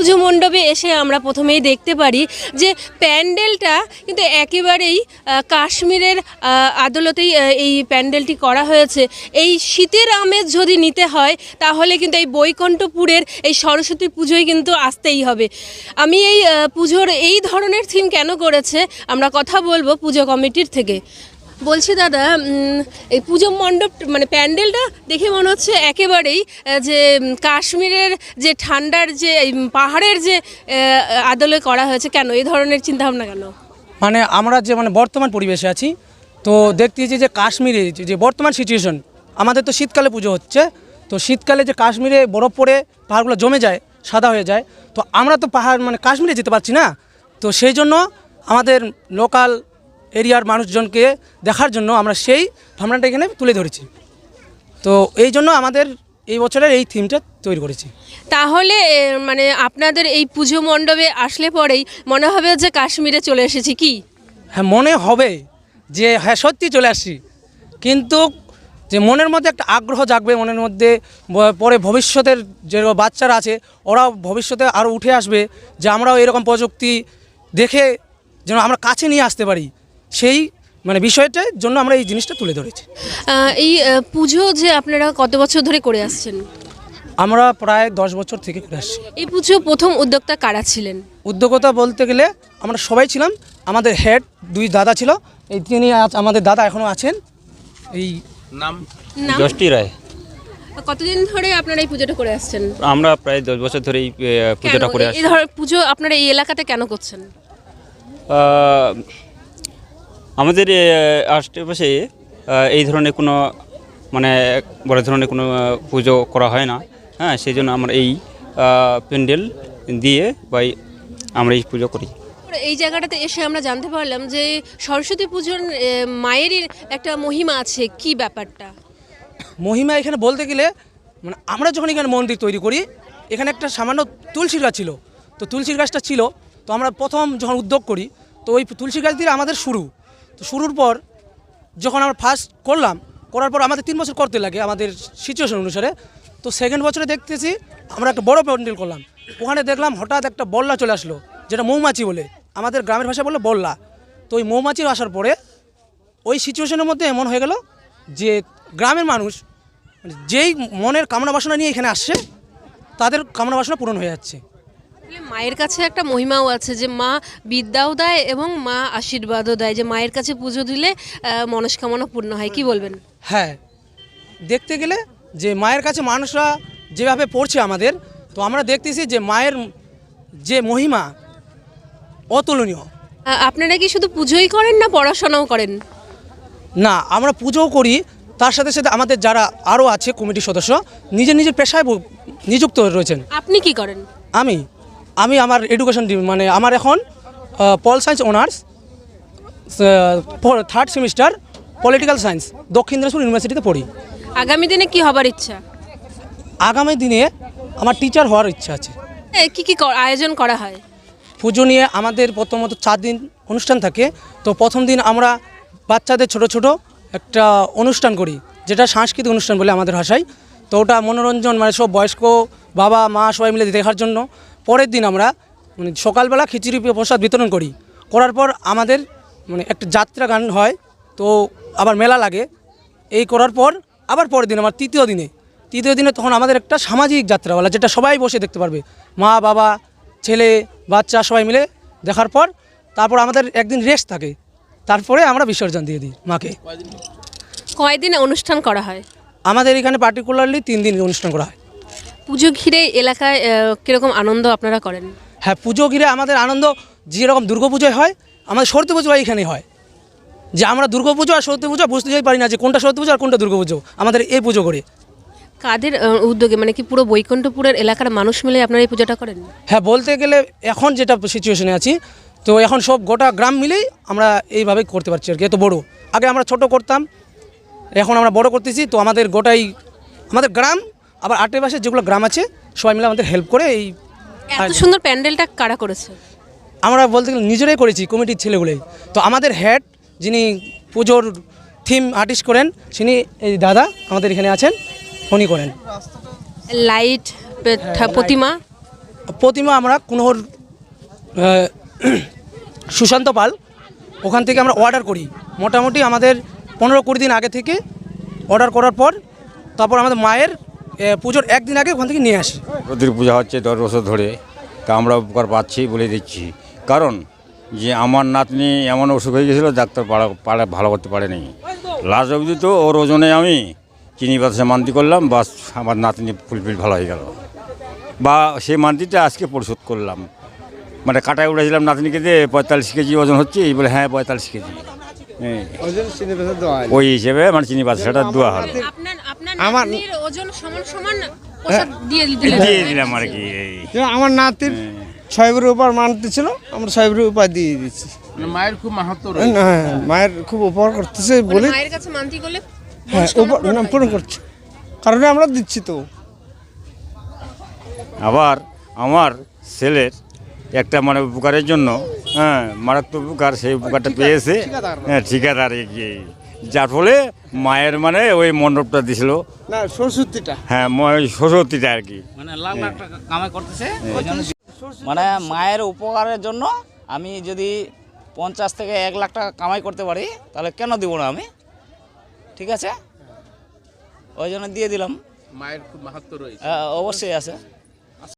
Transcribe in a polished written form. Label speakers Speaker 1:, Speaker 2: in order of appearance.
Speaker 1: পুজো মণ্ডপে এসে আমরা প্রথমেই দেখতে পারি যে প্যান্ডেলটা কিন্তু একেবারেই কাশ্মীরের আদলতেই এই প্যান্ডেলটি করা হয়েছে। এই শীতের আমেজ যদি নিতে হয় তাহলে কিন্তু এই বৈকুণ্ঠপুরের এই সরস্বতী পুজোয় কিন্তু আসতেই হবে। আমি এই পুজোর এই ধরনের থিম কেন করেছে আমরা কথা বলবো পুজো কমিটির থেকে। বলছি দাদা, এই পুজো মণ্ডপ মানে প্যান্ডেলটা দেখে মনে হচ্ছে একেবারেই যে কাশ্মীরের যে ঠান্ডার যে পাহাড়ের যে আদলে করা হয়েছে। কেন এই ধরনের চিন্তাভাবনা কেন?
Speaker 2: মানে আমরা যে বর্তমান পরিবেশে আছি, তো দেখতেছি যে কাশ্মীরে যে বর্তমান সিচুয়েশন, আমাদের তো শীতকালে পুজো হচ্ছে, তো শীতকালে যে কাশ্মীরে বরফ পড়ে পাহাড়গুলো জমে যায়, সাদা হয়ে যায়, তো আমরা তো পাহাড় কাশ্মীরে যেতে পারছি না। তো সেই জন্য আমাদের লোকাল এরিয়ার মানুষজনকে দেখার জন্য আমরা সেই ভাবনাটা এখানে তুলে ধরেছি। তো এই জন্য আমাদের এই বছরের এই থিমটা তৈরি করেছি।
Speaker 1: তাহলে মানে আপনাদের এই পুজো মণ্ডপে আসলে পরেই মনে হবে যে কাশ্মীরে চলে এসেছি কি?
Speaker 2: হ্যাঁ, মনে হবে যে হ্যাঁ সত্যি চলে আসছি, কিন্তু যে মনের মধ্যে একটা আগ্রহ জাগবে মনের মধ্যে, পরে ভবিষ্যতের যে বাচ্চারা আছে ওরাও ভবিষ্যতে আরও উঠে আসবে, যে আমরাও এরকম প্রযুক্তি দেখে যেন আমরা কাছে নিয়ে আসতে পারি, সেই বিষয়টার জন্য আমরা এই জিনিসটা তুলে ধরেছি।
Speaker 1: এই পুজো যে আপনারা কত বছর ধরে করে আসছেন?
Speaker 2: আমরা প্রায় 10 বছর থেকে করে আসছি।
Speaker 1: এই পুজো প্রথম উদ্যোক্তা কারা ছিলেন?
Speaker 2: উদ্যোক্তা বলতে গেলে আমরা সবাই ছিলাম। আমাদের হেড 2 দাদা ছিল, এই তিনি আমাদের দাদা এখনও আছেন। এই
Speaker 3: নাম
Speaker 1: নাম?
Speaker 3: যষ্টি রায়।
Speaker 1: কতদিন ধরে আপনারা এই পুজোটা করে আসছেন?
Speaker 3: আমরা প্রায় 10 বছর ধরে এই পুজোটা করে আসছি।
Speaker 1: এই ধর পুজো আপনারা এই এলাকাতে কেন করছেন?
Speaker 3: আমাদের আশেপাশে এই ধরনের কোনো বড় ধরনের কোনো পুজো করা হয় না। হ্যাঁ, সেই জন্য আমরা এই প্যান্ডেল দিয়ে আমরা এই পুজো করি।
Speaker 1: এই জায়গাটাতে এসে আমরা জানতে পারলাম যে সরস্বতী পুজোর মায়েরই একটা মহিমা আছে। কি ব্যাপারটা?
Speaker 2: মহিমা এখানে বলতে গেলে আমরা যখন এখানে মন্দির তৈরি করি, এখানে একটা সামান্য তুলসীর গাছ ছিল। তো তুলসীর গাছটা ছিল, তো আমরা প্রথম যখন উদ্যোগ করি, তো ওই তুলসী গাছ দিয়ে আমাদের শুরু। তো শুরুর পর যখন আমরা ফার্স্ট করার পর আমাদের 3 বছর করতে লাগে আমাদের সিচুয়েশন অনুসারে। তো সেকেন্ড বছরে দেখতেছি আমরা একটা বড় প্যান্ডেল করলাম। ওখানে দেখলাম হঠাৎ একটা বল্লা চলে আসলো, যেটা মৌমাছি বলে, আমাদের গ্রামের ভাষায় বললো বল্লা। তো ওই মৌমাছির আসার পরে ওই সিচুয়েশনের মধ্যে এমন হয়ে গেল যে গ্রামের মানুষ যেই মনের কামনা বাসনা নিয়ে এখানে আসছে, তাদের কামনা বাসনা পূরণ হয়ে যাচ্ছে।
Speaker 1: মায়ের কাছে একটা মহিমাও আছে যে মা বিদ্যাও দেয় এবং মা আশীর্বাদও দেয়, যে মায়ের কাছে পুজো দিলে মনস্কামনা পূর্ণ হয়। কি বলবেন?
Speaker 2: হ্যাঁ, দেখতে গেলে যে মায়ের কাছে মানুষরা যেভাবে পড়ছে আমাদের, তো আমরা দেখতেছি যে মায়ের যে মহিমা অতুলনীয়।
Speaker 1: আপনারা কি শুধু পুজোই করেন না পড়াশোনাও করেন?
Speaker 2: না, আমরা পুজোও করি, তার সাথে সাথে আমাদের যারা আরও আছে কমিটির সদস্য নিজের নিজের পেশায় নিযুক্ত রয়েছেন।
Speaker 1: আপনি কি করেন?
Speaker 2: আমি আমার এডুকেশন আমার এখন pol science honours, 3rd semester political science, Dakshin Dinajpur ইউনিভার্সিটিতে পড়ি।
Speaker 1: আগামী দিনে কি হবার ইচ্ছা?
Speaker 2: আগামী দিনে আমার টিচার হওয়ার ইচ্ছা আছে।
Speaker 1: কি কি আয়োজন করা হয়?
Speaker 2: পুজো নিয়ে আমাদের প্রথমত 4 দিন অনুষ্ঠান থাকে। তো প্রথম দিন আমরা বাচ্চাদের ছোট ছোট একটা অনুষ্ঠান করি, যেটা সাংস্কৃতিক অনুষ্ঠান বলে আমাদের ভাষায়। তো ওটা মনোরঞ্জন, সব বয়স্ক বাবা মা সবাই মিলে দেখার জন্য। পরের দিন আমরা সকালবেলা খিচুড়ি প্রসাদ বিতরণ করার পর আমাদের একটা যাত্রা গান হয়, তো আবার মেলা লাগে। এই করার পর আবার পরের দিন আমার তৃতীয় দিনে তখন আমাদের একটা সামাজিক যাত্রাওয়ালা, যেটা সবাই বসে দেখতে পারবে, মা বাবা ছেলে বাচ্চা সবাই মিলে দেখার পর। তারপর আমাদের একদিন রেস্ট থাকে, তারপরে আমরা বিসর্জন দিয়ে দিই মাকে।
Speaker 1: কয়দিন অনুষ্ঠান করা হয়?
Speaker 2: আমাদের এখানে পার্টিকুলারলি 3 দিন অনুষ্ঠান করা হয়।
Speaker 1: পুজো ঘিরে এলাকায় কীরকম আনন্দ আপনারা করেন?
Speaker 2: হ্যাঁ, পুজো ঘিরে আমাদের আনন্দ যেরকম দুর্গাপুজোয় হয়, আমাদের সরস্বতী পুজো এখানেই হয়। যে আমরা দুর্গাপুজো আর সরস্বতী পুজো বুঝতে পারি না যে কোনটা সরস্বতী পুজো আর কোনটা দুর্গাপুজো, আমাদের এই পুজো করে।
Speaker 1: কাদের উদ্যোগে, কি পুরো বৈকুণ্ঠপুরের এলাকার মানুষ মিলে আপনারা এই পুজোটা করেন?
Speaker 2: হ্যাঁ, বলতে গেলে এখন যেটা সিচুয়েশনে আছি, তো এখন সব গোটা গ্রাম মিলেই আমরা এইভাবে করতে পারছি আর কি। এত বড়, আগে আমরা ছোট করতাম, এখন আমরা বড় করতেছি। তো আমাদের গোটাই আমাদের গ্রাম, আবার আশেপাশে যেগুলো গ্রাম আছে সবাই মিলে আমাদের হেল্প করে। এই
Speaker 1: এত সুন্দর প্যান্ডেলটা কারা করেছে?
Speaker 2: আমরা বলতে গেলে নিজেরাই করেছি, কমিটির ছেলেগুলোই। তো আমাদের হেড যিনি পুজোর থিম আর্টিস্ট করেন, তিনি এই দাদা আমাদের এখানে আছেন, উনি করেন।
Speaker 1: লাইট প্রতিমা
Speaker 2: প্রতিমা আমরা কুনহর সুশান্ত পাল ওখান থেকে আমরা অর্ডার করি, মোটামুটি আমাদের 15-20 দিন আগে থেকে অর্ডার করার পর তারপর আমাদের মায়ের পুজোর একদিন আগে ওখান থেকে নিয়ে আসি।
Speaker 4: প্রতির পূজা হচ্ছে 10 বছর ধরে, তা আমরা উপকার পাচ্ছি বলে দিচ্ছি। কারণ যে আমার নাতনি এমন অসুখ হয়ে গেছিলো, ডাক্তার ভালো করতে পারেনি। লাস্ট অবধি তো ওর ওজনে আমি চিনি বাতাসে মান্তি করলাম, বাস আমার নাতনি ফুলফিল ভালো হয়ে গেল। বা সেই মান্তিটা আজকে পরিশোধ করলাম, মানে কাটায় উঠেছিলাম নাতনিকে দিয়ে 45 কেজি ওজন হচ্ছে, এই বলে হ্যাঁ 45 কেজি, হ্যাঁ ওই হিসেবে মানে চিনি বাতাসাটা দেওয়া হলো।
Speaker 1: আমার ওজন সমান সমান প্রসাদ দিয়ে দিলেন।
Speaker 4: দিয়ে দিলাম আর কি।
Speaker 5: আমার নাতির 6 উপর মানতে ছিল, আমরা 6 উপর দিয়ে দিচ্ছি।
Speaker 6: মায়ের খুব মাহাত্ম্য
Speaker 5: হ্যাঁ, মায়ের খুব উপকার করতেছে বলে
Speaker 1: মায়ের কাছে মানতি করলে
Speaker 5: হ্যাঁ পূরণ করছে, কারণে আমরা দিচ্ছি। তো
Speaker 4: আবার আমার ছেলের একটা মানে উপকারের জন্য, হ্যাঁ মারাত্মক উপকার, সেই উপকারটা পেয়েছে হ্যাঁ ঠিকাদার এগিয়ে, যার ফলে মায়ের মানে ওই মণ্ডপটা দিছিল
Speaker 5: না সরস্বতীটা,
Speaker 4: হ্যাঁ সরস্বতীটা আর কি,
Speaker 6: মানে লাখ লাখ টাকা কামাই করতেছে।
Speaker 7: মানে মায়ের উপকারের জন্য আমি যদি 50 থেকে 1 লাখ টাকা কামাই করতে পারি, তাহলে কেন দিব না আমি? ঠিক আছে, ওই জন্য দিয়ে দিলাম।
Speaker 6: মায়ের খুব মাহাত্ম্য রয়েছে।
Speaker 7: অবশ্যই আছে।